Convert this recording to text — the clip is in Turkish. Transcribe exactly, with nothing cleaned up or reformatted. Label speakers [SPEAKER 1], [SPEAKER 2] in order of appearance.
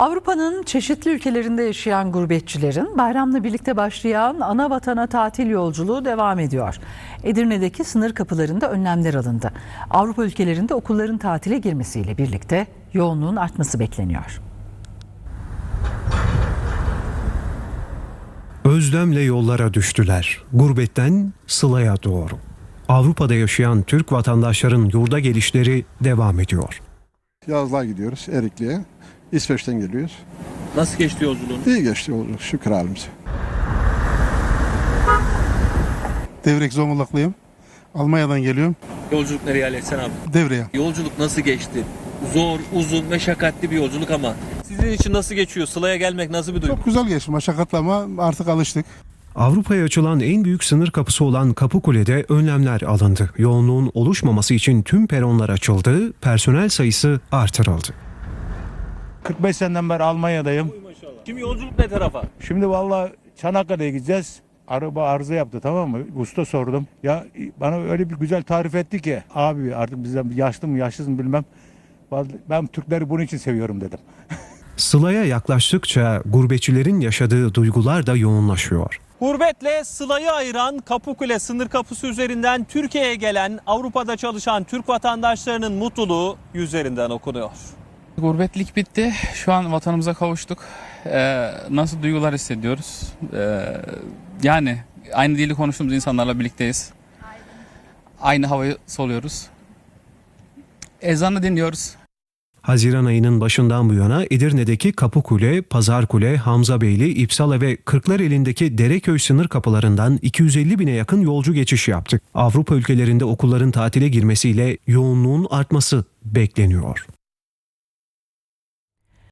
[SPEAKER 1] Avrupa'nın çeşitli ülkelerinde yaşayan gurbetçilerin bayramla birlikte başlayan ana vatana tatil yolculuğu devam ediyor. Edirne'deki sınır kapılarında önlemler alındı. Avrupa ülkelerinde okulların tatile girmesiyle birlikte yoğunluğun artması bekleniyor.
[SPEAKER 2] Özlemle yollara düştüler. Gurbetten Sıla'ya doğru. Avrupa'da yaşayan Türk vatandaşların yurda gelişleri devam ediyor.
[SPEAKER 3] Yazlığa gidiyoruz Erikli'ye. İsveç'ten geliyoruz.
[SPEAKER 4] Nasıl geçti yolculuğun?
[SPEAKER 3] İyi geçti yolculuk şükür halimize.
[SPEAKER 5] Devrek Zonguldaklıyım. Almanya'dan geliyorum.
[SPEAKER 4] Yolculuk nereye Aleyhisselam abi?
[SPEAKER 5] Devreye.
[SPEAKER 4] Yolculuk nasıl geçti? Zor, uzun, meşakkatli bir yolculuk ama sizin için nasıl geçiyor? Sıla'ya gelmek nasıl bir duygu?
[SPEAKER 5] Çok güzel geçti. Meşakkatli ama artık alıştık.
[SPEAKER 2] Avrupa'ya açılan en büyük sınır kapısı olan Kapıkule'de önlemler alındı. Yoğunluğun oluşmaması için tüm peronlar açıldı, personel sayısı artırıldı.
[SPEAKER 6] kırk beş seneden beri Almanya'dayım.
[SPEAKER 4] Şimdi yolculuk ne tarafa?
[SPEAKER 6] Şimdi vallahi Çanakkale'ye gideceğiz. Araba arıza yaptı, tamam mı? Usta sordum. Ya bana öyle bir güzel tarif etti ki. Abi artık bizden yaşlı mı yaşsız mı bilmem. Vallahi ben Türkleri bunun için seviyorum dedim.
[SPEAKER 2] Sıla'ya yaklaştıkça gurbetçilerin yaşadığı duygular da yoğunlaşıyor.
[SPEAKER 7] Gurbetle Sıla'yı ayıran Kapıkule sınır kapısı üzerinden Türkiye'ye gelen Avrupa'da çalışan Türk vatandaşlarının mutluluğu yüzlerinden okunuyor.
[SPEAKER 8] Gurbetlik bitti. Şu an vatanımıza kavuştuk. Ee, nasıl duygular hissediyoruz? Ee, yani aynı dili konuştuğumuz insanlarla birlikteyiz. Aynı havayı soluyoruz. Ezanı dinliyoruz.
[SPEAKER 2] Haziran ayının başından bu yana Edirne'deki Kapıkule, Pazarkule, Hamzabeyli, İpsala ve Kırklareli'ndeki Dereköy sınır kapılarından iki yüz elli bine yakın yolcu geçiş yaptı. Avrupa ülkelerinde okulların tatile girmesiyle yoğunluğun artması bekleniyor.